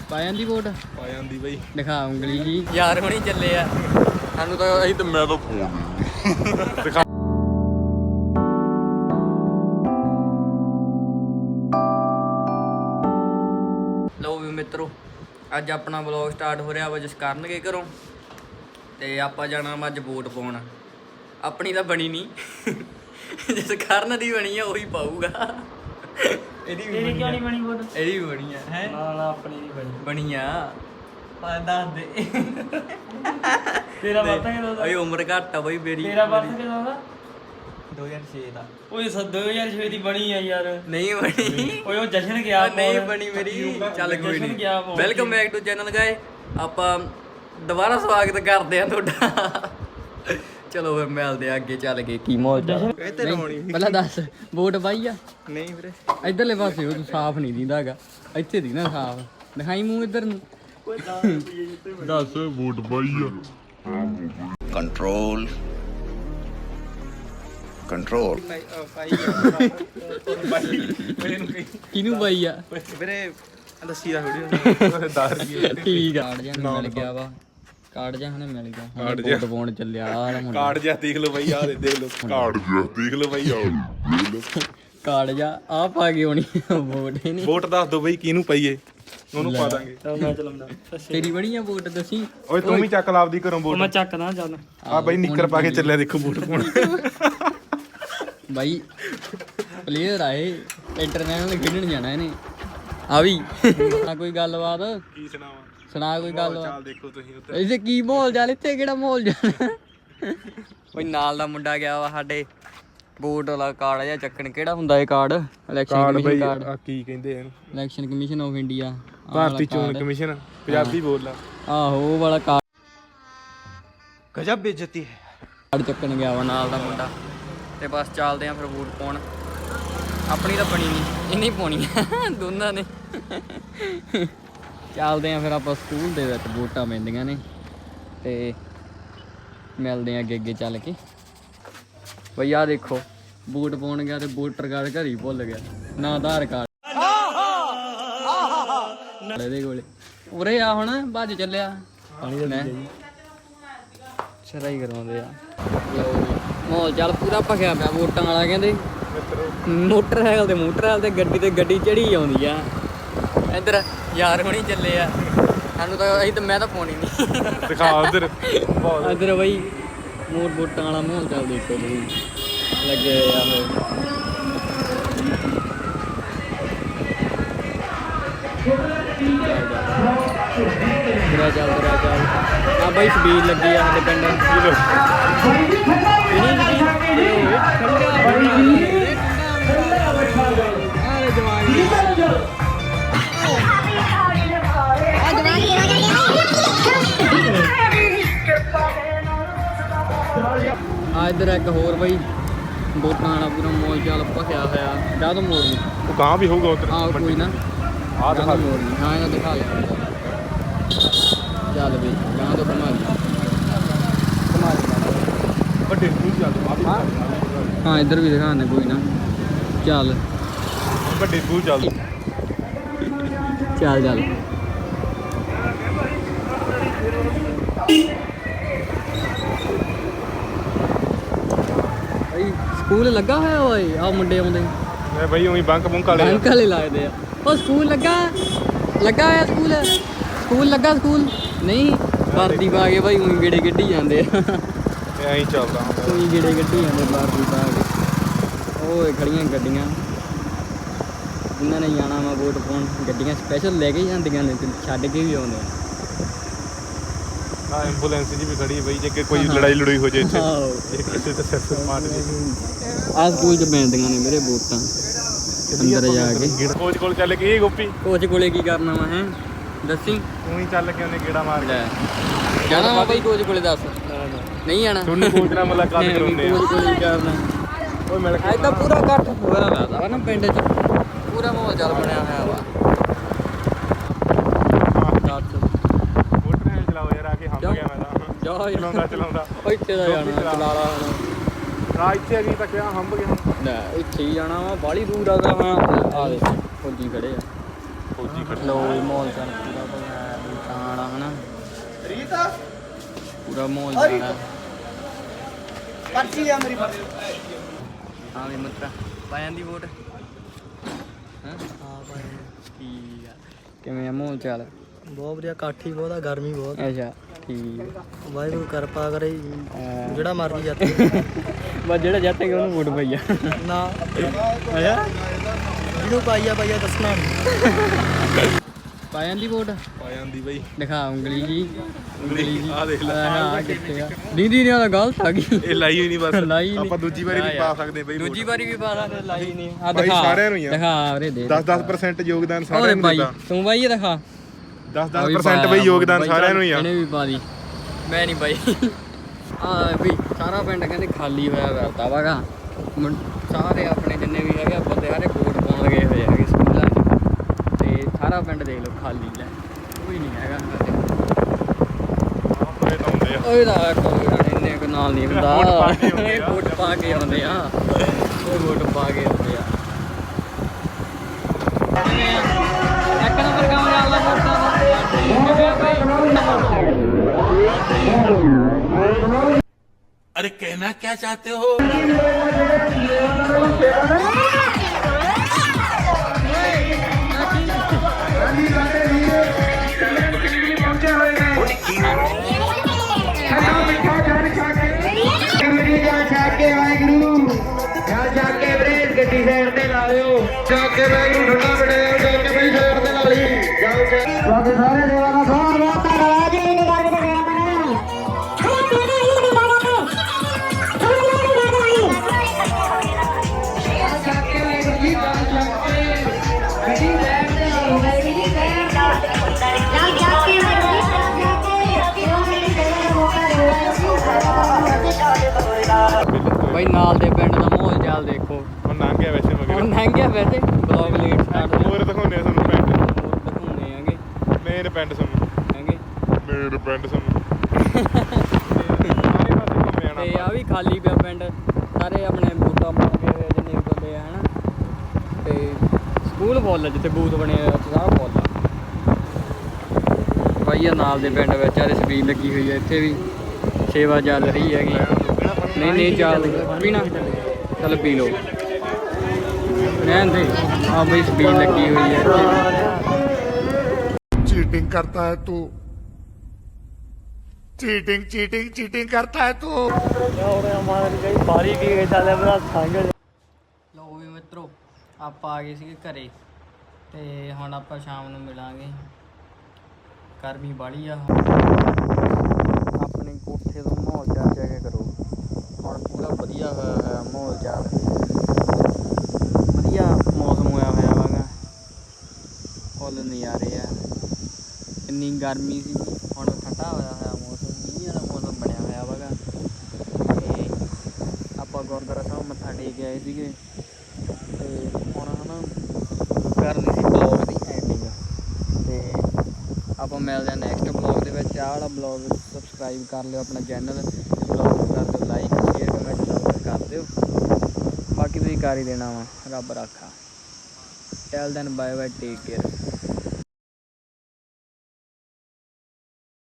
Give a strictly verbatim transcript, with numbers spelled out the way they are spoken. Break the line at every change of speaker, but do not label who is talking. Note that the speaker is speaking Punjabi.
ਪਾ ਜਾਂਦੀ ਵੋਟ
ਪਾ ਜਾਂਦੀ ਬਈ
ਦਿਖਾ ਉਂਗਲੀ ਜੀ ਯਾਰ ਹੁਣੀ ਚੱਲੇ ਆ ਸਾਨੂੰ ਤਾਂ ਅਸੀਂ ਤਾਂ ਮੈਂ ਤਾਂ ਦਿਖਾ ਲਓ ਵੀ ਮਿੱਤਰੋ ਅੱਜ ਆਪਣਾ ਵਲੌਗ ਸਟਾਰਟ ਹੋ ਰਿਹਾ ਵਾ ਜਿਸ ਕਰਨਗੇ ਘਰੋਂ ਤੇ ਆਪਾਂ ਜਾਣਾ ਵਾ ਅੱਜ ਵੋਟ ਪਾਉਣ ਆਪਣੀ ਤਾਂ ਬਣੀ ਨਹੀਂ ਜਿਸ ਕਰਨ ਦੀ ਬਣੀ ਆ ਉਹੀ ਪਾਊਗਾ ਇਹਦੀ ਵੀ ਕਿਉਂ ਨਹੀਂ ਬਣੀ ਵੋਟ ਇਹਦੀ ਵੀ ਬਣੀ ਆ ਹੈ ਨਾ ਨਾ ਆਪਣੀ ਨਹੀਂ ਬਣੀ ਬਣੀ ਆ ਪਾ ਦੱਸ ਦੇ ਤੇਰਾ ਪਤਾ ਕਿਦੋਂ ਦਾ ਓਏ ਉਮਰ ਘੱਟ ਆ ਬਈ ਮੇਰੀ ਤੇਰਾ ਪਤਾ ਕਿਦੋਂ ਦਾ ਦੋ ਹਜ਼ਾਰ ਛੇ ਦਾ ਓਏ ਦੋ ਹਜ਼ਾਰ ਛੇ ਦੀ ਬਣੀ ਆ ਯਾਰ ਨਹੀਂ ਬਣੀ ਓਏ ਉਹ ਜਸ਼ਨ ਗਿਆ ਨਹੀਂ ਬਣੀ ਮੇਰੀ ਚੱਲ ਕੋਈ ਨਹੀਂ welcome back to channel guy ਆਪਾਂ ਦੁਬਾਰਾ ਸਵਾਗਤ ਕਰਦੇ ਆ ਤੁਹਾਡਾ ਚਲੋ ਫਿਰ ਮਿਲਦੇ ਆ ਅੱਗੇ ਚੱਲ ਕੇ ਕੀ ਮਾਹੌਲ ਚੱਲ ਪਹਿਲਾਂ ਦੱਸ ਵੋਟ ਪਾਈ ਆ ਨਹੀਂ ਵੀਰੇ ਇਧਰਲੇ ਪਾਸੇ ਉਹ ਸਾਫ਼ ਨਹੀਂ ਦਿੰਦਾ ਹੈਗਾ ਇੱਥੇ ਦੀ ਨਾ ਸਾਫ਼ ਦਿਖਾਈ ਮੂੰਹ ਇੱਧਰ ਨੂੰ
ਦੱਸ ਵੋਟ ਪਾਈ ਆ ਕੰਟਰੋਲ ਕੰਟਰੋਲ
ਕਿਹਨੂੰ ਪਾਈ ਆ
ਵੀਰੇ ਦੱਸੀ ਦਾ ਥੋੜੀ ਦਾਰ
ਠੀਕ ਆ ਮਿਲ ਗਿਆ ਵਾ ਕਾਰਡ ਜਾਂ ਹਨੇ ਮਿਲ ਗਿਆ
ਕਾਰਡ
ਵੋਟ ਪਾਉਣ ਚੱਲਿਆ ਆ
ਕਾਰਡ ਜਿਹਾ ਦੇਖ ਲਓ ਬਈ ਆ ਦੇਖ ਲਓ
ਕਾਰਡ ਜਿਹਾ ਦੇਖ ਲਓ ਬਾਈ ਆ
ਕਾਰਡ ਜਾਂ ਆ ਪਾ ਕੇ ਆਉਣੀ ਵੋਟ ਹੀ ਨਹੀਂ
ਵੋਟ ਦੱਸ ਦੋ ਬਈ ਕਿਹਨੂੰ ਪਾਈਏ ਉਹਨੂੰ ਪਾ ਦਾਂਗੇ
ਮੈਂ ਚਲਾਉਂਦਾ ਤੇਰੀ ਬਣੀ ਆ ਵੋਟ ਦੱਸੀ
ਓਏ ਤੂੰ ਵੀ ਚੱਕ ਲਾਵਦੀ ਘਰੋਂ ਵੋਟ
ਮੈਂ ਚੱਕਦਾ ਚੱਲ
ਆ ਬਈ ਨਿੱਕਰ ਪਾ ਕੇ ਚੱਲਿਆ ਦੇਖੋ ਵੋਟ ਪਾਉਣ
ਬਾਈ ਪਲੇਅਰ ਆਏ ਇੰਟਰਨੈਸ਼ਨਲ ਖੇਡਣ ਜਾਣਾ ਇਹਨੇ ਆ ਵੀ ਆ ਕੋਈ ਗੱਲਬਾਤ
ਕੀ ਸੁਣਾਵਾਂ
ਸੁਣਾ ਕੋਈ ਗੱਲ
ਚੱਲ ਦੇਖੋ ਤੁਸੀਂ ਉੱਧਰ
ਇੱਥੇ ਕੀ ਮਾਹੌਲ ਚੱਲ ਇੱਥੇ ਕਿਹੜਾ ਮਾਹੌਲ ਜਾਣਾ ਕੋਈ ਨਾਲ ਦਾ ਮੁੰਡਾ ਗਿਆ ਵਾ ਸਾਡੇ ਵੋਟ ਵਾਲਾ ਕਾਰਡ ਜਾਂ ਚੱਕਣ ਕਿਹੜਾ ਹੁੰਦਾ ਇਹ ਕਾਰਡ ਇਲੈਕਸ਼ਨ ਕਮਿਸ਼ਨ ਕਾਰਡ
ਆ ਕੀ ਕਹਿੰਦੇ ਇਹਨੂੰ
ਇਲੈਕਸ਼ਨ ਕਮਿਸ਼ਨ ਆਫ ਇੰਡੀਆ
ਭਾਰਤੀ ਚੋਣ ਕਮਿਸ਼ਨ ਪੰਜਾਬੀ ਬੋਲ
ਆਹੋ ਉਹ ਵਾਲਾ ਕਾਰਡ
ਗਜਬ ਬੇਇੱਜ਼ਤੀ ਹੈ
ਕਾਰਡ ਚੱਕਣ ਗਿਆ ਵਾ ਨਾਲ ਦਾ ਮੁੰਡਾ ਤੇ ਬਸ ਚੱਲਦੇ ਆ ਫਿਰ ਵੋਟ ਪਾਉਣ ਆਪਣੀ ਤਾਂ ਬਣੀ ਨਹੀਂ ਇਹਨੇ ਪਾਉਣੀ ਦੋਨਾਂ ਨੇ ਚੱਲਦੇ ਆ ਫਿਰ ਆਪਾਂ ਸਕੂਲ ਦੇ ਵਿੱਚ ਵੋਟਾਂ ਪੈਂਦੀਆਂ ਨੇ ਤੇ ਮਿਲਦੇ ਆ ਅੱਗੇ ਅੱਗੇ ਚੱਲ ਕੇ ਬਈ ਆ ਦੇਖੋ ਵੋਟ ਪਾਉਣ ਗਿਆ ਤੇ ਵੋਟਰ ਕਾਰਡ ਘਰ ਹੀ ਭੁੱਲ ਗਿਆ ਨਾ ਆਧਾਰ ਕਾਰਡ ਇਹਦੇ ਕੋਲੇ ਉਰੇ ਆ ਹੁਣ ਭੱਜ ਚੱਲਿਆ ਸ਼ਰਾਈ ਕਰਵਾਉਂਦੇ ਆ ਮਾਹੌਲ ਚੱਲ ਪੂਰਾ ਭਖਿਆ ਪਿਆ ਵੋਟਾਂ ਵਾਲਾ ਕਹਿੰਦੇ ਮੋਟਰਸਾਈਕਲ ਤੇ ਮੋਟਰਸਾਈਕਲ ਤੇ ਗੱਡੀ ਤੇ ਗੱਡੀ ਚੜੀ ਆਉਂਦੀ ਆ ਇੱਧਰ ਯਾਰ ਹੁਣੀ ਚੱਲੇ ਆ ਸਾਨੂੰ ਤਾਂ ਅਸੀਂ ਤਾਂ ਮੈਂ ਤਾਂ ਪਾਉਣੀ ਨਹੀਂ
ਦਿਖਾ ਉਧਰ
ਇੱਧਰ ਬਈ ਮੋਰ ਵੋਟਾਂ ਵਾਲਾ ਮਾਹੌਲ ਚੱਲ ਦੇਖੋ ਤੁਸੀਂ ਲੱਗੇ ਹੋਏ ਆ ਬੁਰਾ ਚੱਲ ਬੁਰਾ ਚੱਲ ਆ ਬਈ ਸਬੀਲ ਲੱਗੀ ਆ ਸਾਡੇ ਪਿੰਡ ਆ ਇੱਧਰ ਇੱਕ ਹੋਰ ਬਈ ਵੋਟਾਂ ਵਾਲਾ ਪੂਰਾ ਮੋਲ ਚਾਲ ਭਖਿਆ ਹੋਇਆ ਜਾ ਤੋਂ ਮੋੜ ਨਹੀਂ
ਉਹ ਗਾਂ ਵੀ ਹੋਊਗਾ ਉਧਰ
ਆਹ ਕੋਈ ਨਾ
ਆਹ ਦਿਖਾ
ਮੋੜ ਨਹੀਂ ਹਾਂ ਇਹਨਾਂ ਦਿਖਾ ਲਿਆ ਚੱਲ ਬਈ ਗਾਂ ਤੋਂ ਘੁਮਾ ਲਈ ਘੁਮਾ ਲਈ
ਵੱਡੇ ਸਕੂਲ ਚੱਲ
ਹਾਂ ਹਾਂ ਇੱਧਰ ਵੀ ਦਿਖਾਣੇ ਕੋਈ ਨਾ ਚੱਲ
ਵੱਡੇ ਸਕੂਲ ਚੱਲ
ਚੱਲ ਚੱਲ ਭਾਈ ਸਕੂਲ ਲੱਗਾ ਹੋਇਆ ਓਏ ਆ ਮੁੰਡੇ ਆਉਂਦੇ
ਮੈਂ ਬਈ ਉਹੀ ਬੰਕ ਬੰਕ ਵਾਲੇ
ਬੰਕ ਵਾਲੇ ਲੱਗਦੇ ਆ ਉਹ ਸਕੂਲ ਲੱਗਾ ਲੱਗਾ ਹੋਇਆ ਸਕੂਲ ਸਕੂਲ ਲੱਗਾ ਸਕੂਲ ਨਹੀਂ ਵਰਦੀ ਪਾ ਕੇ ਭਾਈ ਉਹੀ ਗੇੜੇ ਗੱਡੀ ਜਾਂਦੇ ਆ
ਇਹ ਐਂ ਚੱਲਦਾ
ਉਹੀ ਗੇੜੇ ਗੱਡੀ ਜਾਂਦੇ ਵਰਦੀ ਪਾ ਕੇ ਓਏ ਖੜੀਆਂ ਗੱਡੀਆਂ ਜਿਨ੍ਹਾਂ ਨੇ ਜਾਣਾ ਵਾ ਵੋਟ ਪਾਉਣ ਗੱਡੀਆਂ ਸਪੈਸ਼ਲ ਲੈ ਕੇ ਜਾਂਦੀਆਂ ਨੇ ਤੇ ਛੱਡ ਕੇ ਵੀ ਆਉਂਦੇ ਆ
ਆ ਐਂਬੂਲੈਂਸ ਜੀ ਵੀ ਖੜੀ ਬਈ ਜੇ ਕੋਈ ਲੜਾਈ ਲੜੋਈ ਹੋ ਜੇ ਇੱਥੇ
ਆਹੋ
ਜੇ ਕਿਸੇ ਤੇ ਸਿਰ ਸੁਰ ਮਾਰ ਜੇ
ਆ ਸਕੂਲ ਚ ਪੈਂਦੀਆਂ ਨੇ ਮੇਰੇ ਵੋਟਾਂ ਅੰਦਰ ਜਾ ਕੇ
ਕੋਚ ਕੋਲ ਚੱਲ ਕੇ ਇਹ ਗੋਪੀ
ਕੋਚ ਕੋਲੇ ਕੀ ਕਰਨਾ ਵਾ ਹੈ ਦੱਸੀ
ਤੂੰ ਹੀ ਚੱਲ ਕੇ ਉਹਨੇ ਗੇੜਾ ਮਾਰ
ਲੈ ਜਾਣਾ ਵਾ ਬਾਈ ਕੋਚ ਕੋਲੇ ਦੱਸ ਨਹੀਂ ਜਾਣਾ
ਤੁਹਾਨੂੰ ਕੋਚ ਨਾਲ ਮੁਲਾਕਾਤ ਕਰਾਉਂਦੇ ਆ
ਕੋਚ ਕੋਲੇ ਕੀ ਕਰਨਾ
ਓਏ ਮਿਲ
ਅੱਜ ਤਾਂ ਪੂਰਾ ਇਕੱਠ ਹੋਇਆ ਲੱਗਦਾ ਵਾ ਨਾ ਪਿੰਡ 'ਚ ਪੂਰਾ ਮਾਹੌਲ ਚੱਲ ਬਣਿਆ ਹੋਇਆ ਵਾ
ਮੋਟਰ ਚਲਾਓ ਯਾਰ ਆ ਕੇ ਹੰਬ ਗਿਆ ਮੈਂ ਤਾਂ
ਜਾ
ਚਲਾਉਂਦਾ ਚਲਾਉਂਦਾ
ਇੱਥੇ ਦਾ ਜਾਣਾ ਚਲਾ ਲਾ ਹੁਣ
ਆ ਇੱਥੇ ਅਗੀ ਤੱਕ ਆ ਹੰਬ ਗਿਆ
ਲੈ ਇੱਥੇ ਹੀ ਜਾਣਾ ਵਾ ਬਾਹਲੀ ਦੂਰ ਆ ਗਾ ਹਾਂ ਆ ਦੇ ਫੌਜੀ ਖੜੇ ਆ
ਫੌਜੀ ਖੜੇ
ਲੋ ਮਾਹੌਲ ਚੱਲ ਪੂਰਾ ਬਣਾਇਆ ਦੁਕਾਨ ਆ ਹਨਾ ਰੀਤਾ ਪੂਰਾ ਮਾਹੌਲ ਜਾਣਾ ਪਰਚੀ ਆ ਮੇਰੀ ਪਰਚੀ ਹਾਂ ਵੀ ਮਿੱਤਰਾ ਪਾ ਜਾਂਦੀ ਵੋਟ ਹਾਂ ਹਾਂ ਭਾਈ ਠੀਕ ਆ ਕਿਵੇਂ ਆ ਮਾਹੌਲ ਚਾਲ
ਬਹੁਤ ਵਧੀਆ ਕਾਠੀ ਬਹੁਤ ਆ ਗਰਮੀ ਬਹੁਤ
ਅੱਛਾ ਠੀਕ
ਵਾਹਿਗੁਰੂ ਕਿਰਪਾ ਕਰੇ ਜਿਹੜਾ ਮਰਜੀ ਜਾਤੇ
ਬਸ ਜਿਹੜਾ ਜੱਟੇਗਾ ਉਹਨੂੰ ਵੋਟ ਪਈ ਆ
ਨਾ
ਅੱਛਾ
ਜਿਹਨੂੰ ਪਾਈਆ ਪਾਈਆ ਦੱਸਣਾ ਨਹੀਂ
ਪਾ ਜਾਂਦੀ ਵੋਟ
ਪਾ ਜਾਂਦੀ ਬਈ
ਦਿਖਾ ਉਂਗਲੀ ਜੀ ਉਂਗਲੀ ਜੀ
ਆ ਦੇਖ ਲੈ
ਹਾਂ ਕਿੱਥੇ ਆ ਦੀਦੀ ਨੇ ਤਾਂ ਗਲਤ ਆ ਗਈ
ਇਹ ਲਾਈ ਹੋਈ ਨਹੀਂ ਬਸ
ਲਾਈ ਨੀ।
ਆਪਾਂ ਦੂਜੀ ਵਾਰੀ ਵੀ ਪਾ ਸਕਦੇ ਬਈ
ਦੂਜੀ ਵਾਰੀ ਵੀ ਪਾ ਸਕਦੇ ਲਾਈ ਨਹੀਂ ਆ
ਬਾਈ
ਦਿਖਾ
ਸਾਰਿਆਂ ਨੂੰ ਹੀ ਆ।
ਦਿਖਾ ਵੀਰੇ ਦੇ
ਦਸ ਦਸ percent ਯੋਗਦਾਨ
ਉਹਦੇ
ਸਾਰਿਆਂ ਨੂੰ
ਬਾਈ
ਦਿੱਤਾ
ਤੂੰ ਬਾਈ ਇਹ ਦਿਖਾ
ਦਸ ਦਸ percent ਬਈ ਯੋਗਦਾਨ ਸਾਰਿਆਂ ਨੂੰ ਹੀ ਆ
ਇਹਨੇ ਵੀ ਪਾ ਦੀ ਮੈਂ ਨਹੀਂ ਬਾਈ ਆ ਵੀ ਸਾਰਾ ਪਿੰਡ ਕਹਿੰਦੇ ਖਾਲੀ ਹੋਇਆ ਵਰਤਾ ਵਾਗਾ ਸਾਰੇ ਆਪਣੇ ਜਿੰਨੇ ਵੀ ਹੈਗੇ ਬੰਦੇ ਸਾਰੇ ਵੋਟ ਪਾਉਣ ਗਏ ਹੋਏ ਹੈਗੇ ਸਕੂਲਾਂ 'ਚ ਤੇ ਸਾਰਾ ਪਿੰਡ ਦੇਖ ਲਓ ਖਾਲੀ ਲੈ ਕੋਈ ਨਹੀਂ ਹੈਗਾ
ਇਹ ਤਾਂ ਹੁੰਦੇ ਆ
ਓਏ ਦਾ ਕੋਈ ਇੰਨੇ ਕੁ ਨਾਲ ਨਹੀਂ ਹੁੰਦਾ
ਵੋਟ ਪਾ ਕੇ ਆਉਂਦੇ
ਇਹ
ਆ।
ਵੋਟ ਪਾ ਕੇ ਆਉਂਦੇ ਆ ਇਹ ਵੋਟ ਪਾ ਕੇ ਆਉਂਦੇ ਆ ਇੱਕ ਨੰਬਰ ਕੰਮ ਚੱਲਦਾ ਵੋਟਾਂ ਦਾ
अरे कहना क्या चाहते हो
ਬਾਈ ਨਾਲ ਦੇ ਪਿੰਡ ਦਾ ਮਾਹੌਲ ਚਾਲ ਦੇਖੋ
ਹੁਣ ਲੰਘ ਗਿਆ ਵੈਸੇ
ਹੁਣ
ਮਗਰ
ਲੰਘਿਆ ਵੈਸੇ ਬਲੌਗ ਲੇਟ ਸਟਾਰਟ
ਹੋਰ ਦਿਖਾਉਂਦੇ ਆ ਤੁਹਾਨੂੰ ਪਿੰਡ
ਦਿਖਾਉਂਦੇ ਆਂਗੇ
ਮੇਨ ਪਿੰਡ ਤੁਹਾਨੂੰ
ਹੈਗੇ
ਮੇਨ ਪਿੰਡ ਤੁਹਾਨੂੰ ਸਾਰੇ ਪਾਸੇ ਘੁੰਮੇ
ਤੇ
ਆਣਾ
ਆ ਵੀ ਖਾਲੀ ਪਿਆ ਪਿੰਡ ਸਾਰੇ ਆਪਣੇ ਬੂਟਾਂ ਬਣ ਕੇ ਹੋਏ ਜਿੰਨੇ ਵੀ ਬੰਦੇ ਆ ਹਨਾ ਤੇ ਸਕੂਲ ਫੁੱਲ ਆ ਜਿੱਥੇ ਬੂਥ ਬਣੇ ਹੋਏ ਉੱਥੇ ਸਾਰਾ ਫੁੱਲ ਆ ਬਾਈ ਆ ਨਾਲ ਦੇ ਪਿੰਡ ਵਿੱਚ ਆਰੇ ਸਪੀਡ ਲੱਗੀ ਹੋਈ ਹੈ ਇੱਥੇ ਵੀ ਸੇਵਾ ਚੱਲ ਰਹੀ ਹੈਗੀ ਨਹੀਂ ਨਹੀਂ ਚੱਲ ਪੀਣਾ ਚੱਲ ਪੀ ਲਓ ਰਹਿਣ ਦੇ ਆ ਬਈ ਸਪੀਡ ਲੱਗੀ ਹੋਈ ਹੈ ਇੱਥੇ
चीटिंग करता है तू चीटिंग चीटिंग चीटिंग करता है तू
ਬਾਰੀ ਕੀ ਚੱਲੇ ਬਰਾ ਸੰਗ
ਲਓ ਵੀ ਮਿੱਤਰੋ ਆਪਾਂ ਆ ਗਏ ਸੀਗੇ ਘਰੇ ਤੇ ਹੁਣ ਆਪਾਂ ਸ਼ਾਮ ਨੂੰ ਮਿਲਾਂਗੇ ਗਰਮੀ ਬਾਲੀ ਆ ਆਪਣੇ ਕੋਠੇ ਤੋਂ ਮਾਹੌਲ ਚਾਲ ਚੈੱਕ ਕਰੋ ਹੁਣ ਪੂਰਾ ਵਧੀਆ ਹੋਇਆ ਹੋਇਆ ਮਾਹੌਲ ਚਾਲ ਵਧੀਆ ਮੌਸਮ ਹੋਇਆ ਹੋਇਆ ਵਾਗਾ ਫੁੱਲ ਨਜ਼ਾਰੇ ਆ ਇੰਨੀ ਗਰਮੀ ਸੀ ਹੁਣ ਠੰਡਾ ਹੋਇਆ ਹੋਇਆ ਮੌਸਮ ਮੀਂਹ ਵਾਲਾ ਮੌਸਮ ਬਣਿਆ ਹੋਇਆ ਵਾਗਾ ਤੇ ਆਪਾਂ ਗੁਰਦੁਆਰਾ ਸਾਹਿਬ ਮੱਥਾ ਟੇਕ ਕੇ ਆਏ ਸੀਗੇ ਤੇ ਹੁਣ ਹਨਾ ਕਰਨੀ ਸੀ ਬਲੌਗ ਦੀ ਐਂਡਿੰਗ ਤੇ ਆਪਾਂ ਮਿਲਦੇ ਹਾਂ ਨੈਕਸਟ ਬਲੌਗ ਦੇ ਵਿੱਚ ਆਹ ਵਾਲਾ ਬਲੌਗ ਸਬਸਕ੍ਰਾਈਬ ਕਰ ਲਿਓ ਆਪਣਾ ਚੈਨਲ ਬਲੌਗ ਕਰ ਦਿਓ ਲਾਈਕ ਸ਼ੇਅਰ ਕਮੈਂਟ ਕਰ ਦਿਓ ਬਾਕੀ ਤੁਸੀਂ ਕਰ ਹੀ ਦੇਣਾ ਵਾ ਰੱਬ ਰਾਖਾ till then bye bye take care